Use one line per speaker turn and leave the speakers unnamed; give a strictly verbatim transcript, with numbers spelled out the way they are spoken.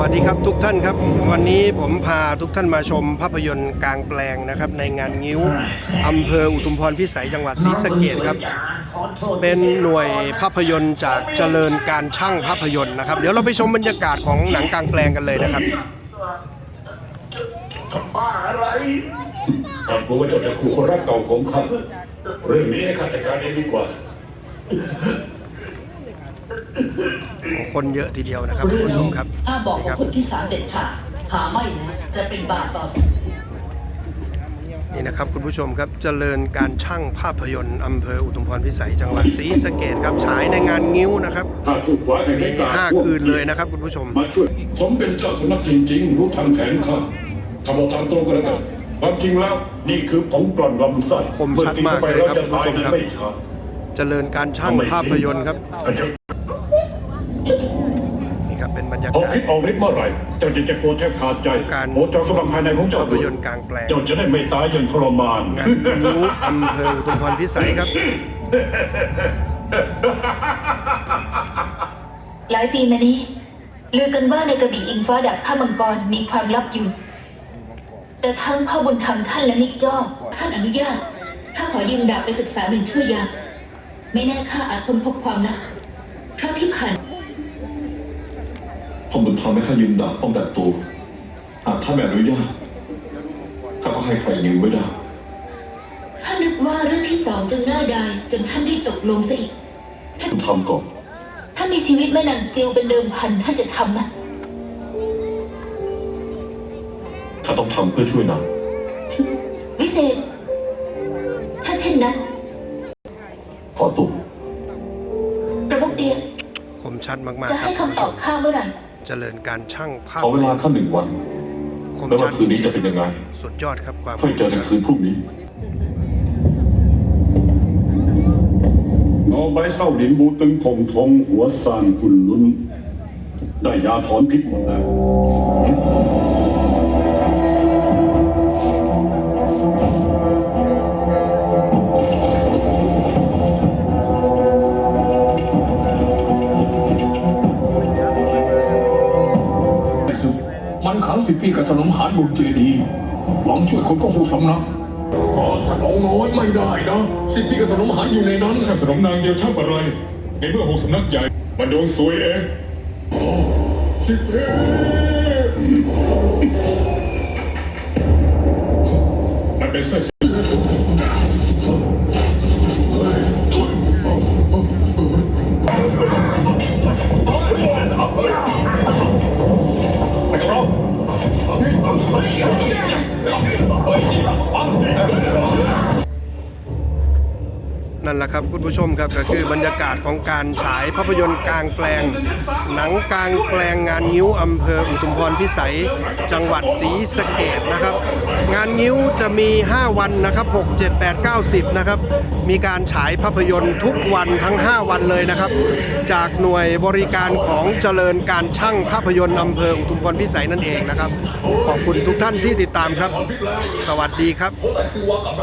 วัสดีครับทุกท่านครับวันนี้ผมพาทุกท่านมาชมภาพยนตร์กลางแปลงนะครับในงานงิ้วอำเภออุทุมพรพิสัยจังหวัดศรีสะเกษครับเป็นหน่วยภาพยนตร์จากเจริญการช่างภาพยนตร์นะครับเดี๋ยวเราไปชมบรรยากาศของหนังกลางแปลงกันเลยนะครับ
บ้าอะไรอ่านบอกว่าเจ้าจะขู่คนรักเก่าของข้าเรื่องนี้ให้ข้าจัดการเองดีกว่า
คนเยอะทีเดียวนะครับคุณผู้ชมครับ
ถ้าบอกกับคนที่สามเด็ดขาดหาไม่นะจะเป็นบาปต่อ
นี่นะครับคุณผู้ชมครับเจริญการช่างภาพยนตร์อำเภออุทุมพรพิสัยจังหวัดศรีสะเกษครับฉายในงานงิ้วนะครับมีห้าคืนเลยนะครับคุณผู้ชม
มาช่วยสมเป็นเจ้าสำนักจริงๆรู้ทางแผนข้าทำเอาตามตรงกันแล้วกันความจริงแล้วนี่คือผงกลั่นลำไส้
คมชัดมากเลยครับคุณผู้ชมครับเจริญการช่างภาพยนตร์ครับนี่ครับเป็นบรรยากาศ
พอคิดออกฤทธิ์เมื่อไหร่เจ้าจะเจ็บปวดแทบขาดใจ
การ
โหเจ้ากำลังภายในของเจ้า
ภาพยนตร์กลางแปลง
เจ้าจะได้ไม่ตายอย่างทรมาน
งานงิ้วอำเภออุทุมพรพิสัยครับ
หลายปีมานี้ลือกันว่าในกระบี่อิงฟ้าดับข้ามังกรมีความลับอยู่แต่ทั้งพ่อบุญธรรมท่านและมิกจ้อท่านอนุญาตข้าขอยืมดาบไปศึกษาหนึ่งชั่วยามไม่แน่ข้าอาจค้นพบความลับเพราะที่ผ่าน
พ่อบุญธรรมให้ข้ายืมดาบป้องกันตัวหากท่านไม่อนุญาตข้าก็ให้ใครยืมไม่ได้
ข้านึกว่าเรื่องที่สองจะง่ายดายจนท่านได้ตกลงซะอีก
ท่านทำก่อน
ถ้ามีชีวิตแม่นางจิวเป็นเดิมพันท่านจะทำไหม
ข้าต้องทำเพื่อช่วยนาง
วิเศษถ้าเช่นนั้น
ขอตัว
กระบอกเดีย
คมชัดมากๆ
จะให้คำตอบข้าเมื่อไหร่
เจริญการช่างภาพ
ขอเวลาข้าหนึ่งวันแล้วว่าคืนนี้จะเป็นยังไง
สุดยอดครับความ
ค่อยเจอกันคืนพรุ่งนี้
นอใบเศร้าหลินบูตึงคงทงหัวซานคุณลุ้นได้ยาถอนพิษหมดแล้ว
มันขังสิบปีกับสนมหารบุญเจดีหวังช่วยคนก็หูสำนักก็ถ้าน้องน้อยไม่ได้นะสิบปีกับสนมหารอยู่ในนั้น
ถ้าสนมนางเดียวช่างอะไรในเมื่อหกสำนักใหญ่มันโดนซวยเองสิบปีมันเป็นเส้น
นั่นแหละครับคุณผู้ชมครับก็คือบรรยากาศของการฉายภาพยนตร์กลางแปลงหนังกลางแปลงงานงิ้วอำเภออุทุมพรพิสัยจังหวัดศรีสะเกษนะครับงานงิ้วจะมีห้าวันนะครับหก เจ็ด แปด เก้า สิบนะครับมีการฉายภาพยนตร์ทุกวันทั้งห้าวันเลยนะครับจากหน่วยบริการของเจริญการช่างภาพยนตร์อำเภออุทุมพรพิสัยนั่นเองนะครับขอบคุณทุกท่านที่ติดตามครับสวัสดีครับ